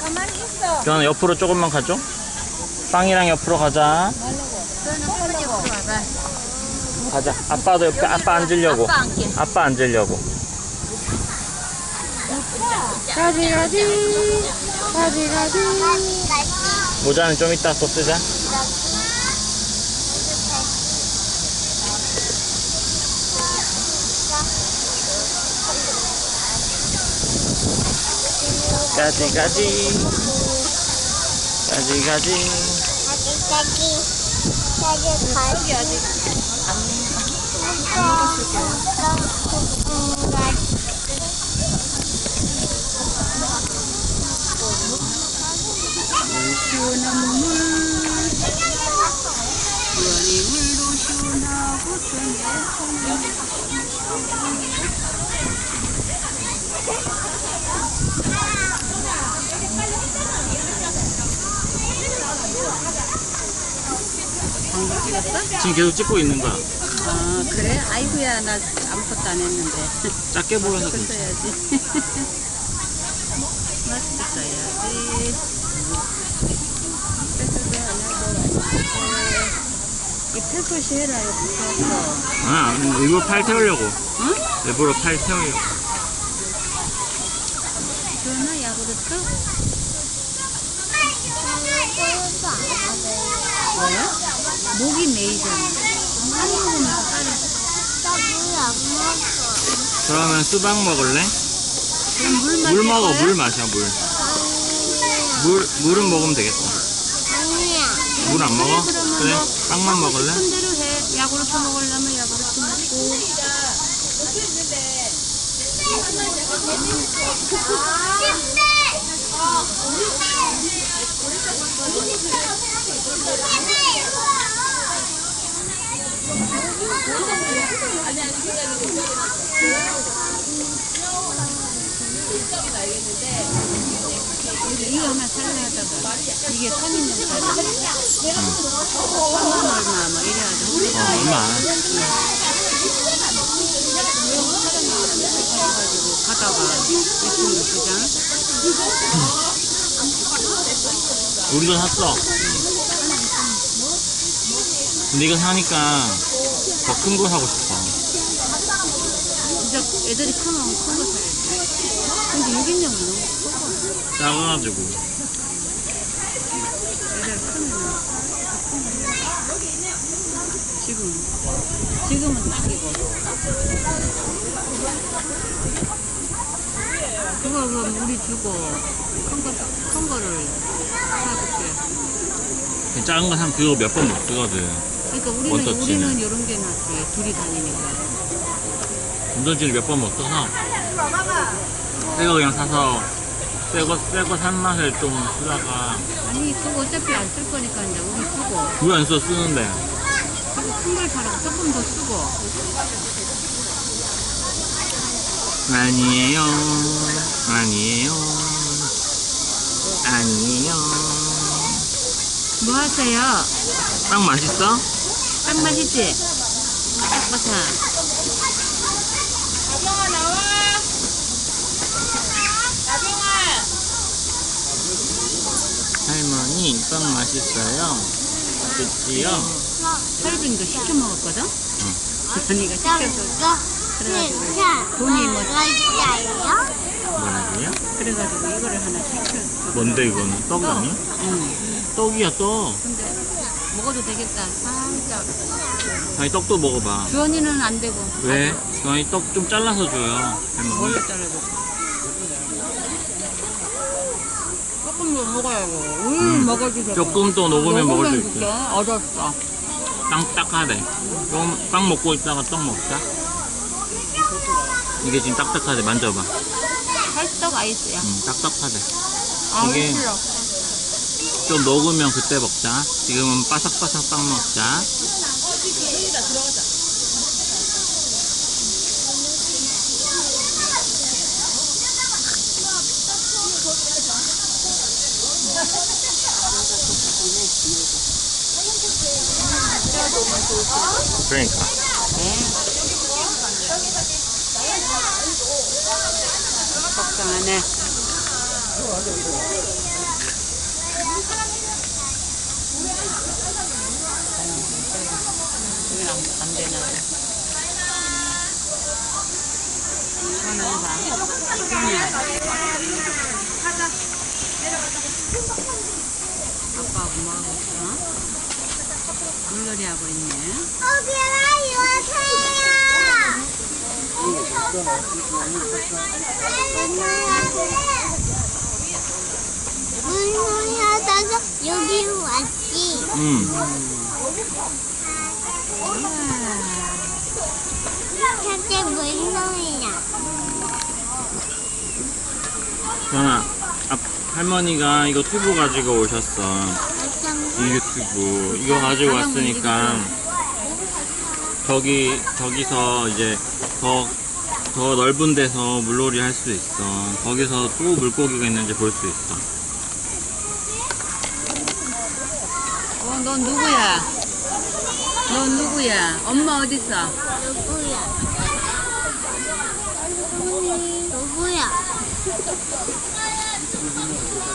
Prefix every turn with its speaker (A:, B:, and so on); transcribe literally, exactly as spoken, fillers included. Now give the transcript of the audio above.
A: 가만히 있어.
B: 주환아 옆으로 조금만 가죠. 빵이랑 옆으로 가자.
A: 저는 할머니 옆으로 와봐.
B: 가자. 아빠도 옆에 아빠 앉으려고.
A: 아빠 앉게.
B: 아빠 앉으려고.
A: 가지 가지. 가지 가지.
B: 모자는 좀 이따 또 쓰자. 가지 가지. 가지 가지.
C: 까기 까기 까기 아직 안
A: 시원한 물. 시원히 물도 시원하고 방금 찍었어?
B: 지금 계속 찍고 있는 거야.
A: 아 그래? 아이고야 나 아무것도 안 했는데.
B: 작게 보여서
A: 마스크
B: 괜찮아.
A: 써야지. 마스크 써야지. 패스도 안 하고. 이 패스시 해라 이거 붙여서.
B: 아, 일부러 팔 태우려고.
A: 응?
B: 일부러 팔 태우려고.
A: 주원아 야구르트? 왜? 목이 메이잖아. 한 모금만 따라.
B: 그러면 수박 먹을래?
A: 그럼 물 마실
B: 물 먹어,
A: 거야?
B: 물 마셔, 물. 물, 물은 먹으면 되겠다. 물 안 먹어?
A: 그러면
B: 그래?
A: 너
B: 빵만
A: 하고
B: 먹을래?
A: 싶은 대로 해. 야구르트 먹으려면 야구르트 먹고. 이거 하나 살려 하다가 이게 삼 인용 살려. 삼만 얼마 뭐 이래 하자.
B: 어, 얼마 안 해.
A: 가지고 가다가 예쁘면 그냥
B: 우리도 샀어. 근데 이거 사니까 더 큰 거 사고 싶어.
A: 진짜 애들이 크면 큰 거 사야지. 근데 육 인용은 너무 커.
B: 작아가지고.
A: 애들 크면 지금 지금은 딱이고 그거 그럼 우리 주고 큰 거 큰 거를 사줄게.
B: 작은 거 사면 그거 몇 번 못 쓰거든.
A: 그러니까 우리는
B: 원터치는.
A: 우리는 이런 게 낫지. 둘이 다니니까.
B: 운전지를 몇 번 못 써서 새거 그냥 사서 새거 새거 산 맛을 좀 쓰다가
A: 아니 그거 어차피 안 쓸 거니까 이제 우리 쓰고
B: 왜 안 써 쓰는데.
A: 그리고 큰 걸 사라고 조금 더 쓰고.
B: 아니에요 아니에요 아니에요.
A: 뭐 하세요?
B: 빵 맛있어?
A: 딱 맛있지? 바삭바삭. 나경아 나와. 나경아.
B: 할머니 빵 맛있어요? 그치요?
A: 설빙도 시켜 먹었거든?
B: 응.
A: 언니가 시켜서 그래가지고 돈이 뭐
B: 뭐라고요?
A: 그래가지고 이거를 하나 시켜.
B: 뭔데 이거는? 떡이 아니야?
A: 응.
B: 떡이야 떡.
A: 근데 먹어도 되겠다. 살짝.
B: 아니 떡도 먹어봐.
A: 주원이는 안 되고.
B: 왜? 아니 떡 좀 잘라서 줘요 할머니.
A: 뭘로 잘라줘? 조금 더 먹어야고. 우유
B: 음.
A: 먹어도 되고.
B: 조금 더 녹으면 먹을 수 있어.
A: 줄게. 얻었어.
B: 빵 딱하대. 좀 빵 먹고 있다가 떡 먹자. 이게 지금 딱딱하대. 만져봐.
A: 찰떡 아이스야.
B: 음, 딱딱하대.
A: 아,
B: 이게-
A: 싫어.
B: 좀 녹으면 그때 먹자. 지금은 바삭바삭 빵 먹자. 그러니까.
A: 네. 걱정 안 해. 아빠 엄마하고 있어? 물놀이 하고 있네.
C: 오기라 이오세요. 물놀이 하다가 여기 왔지.
B: 음.
C: 현재 물놀이야.
B: 전아, 아, 할머니가 이거 튜브 가지고 오셨어. 이 유튜브. 이거 가지고 왔으니까 저기, 저기서 이제 더, 더 넓은 데서 물놀이 할 수 있어. 거기서 또 물고기가 있는지 볼 수 있어.
A: 어, 넌 누구야? 넌 누구야? 엄마 어딨어?
C: 누구야? 누구야?